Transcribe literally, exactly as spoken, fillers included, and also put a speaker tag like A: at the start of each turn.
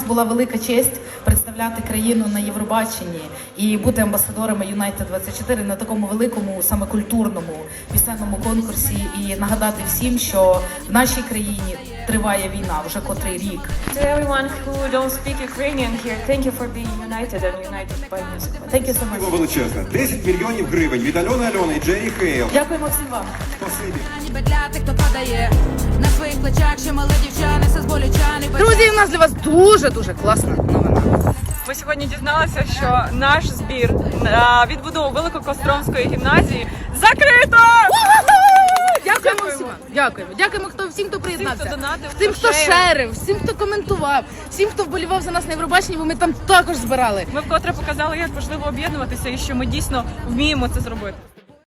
A: була велика честь представляти країну на Євробаченні і бути амбасадорами Юнайтед двадцять чотири на такому великому, саме культурному пісенному конкурсі. І нагадати всім, що в нашій країні триває війна вже котрий рік.
B: To everyone who don't speak Ukrainian here, thank you for being united and united by music.
A: Thank you so much.
C: Дякую величезне. десять мільйонів гривень від Альони Альони і Джері Хейл.
A: Дякуємо всім вам.
C: Спасибі.
D: Ніби для тих, хто падає на своїх плечах, ще мали дівчани, все зболючани.
E: Друзі, у нас для вас дуже-дуже класна новина.
B: Ми сьогодні дізналися, що наш збір на відбудову Великокостромської гімназії закрито!
E: Дякуємо всім. Дякуємо. Дякуємо хто, всім, хто приєднався.
B: хто донатив,
E: Всім,
B: хто
E: хто
B: шерив.
E: шерив, всім, хто коментував, всім, хто вболівав за нас на Євробаченні, бо ми там також збирали.
B: Ми вкотре показали, як важливо об'єднуватися і що ми дійсно вміємо це зробити.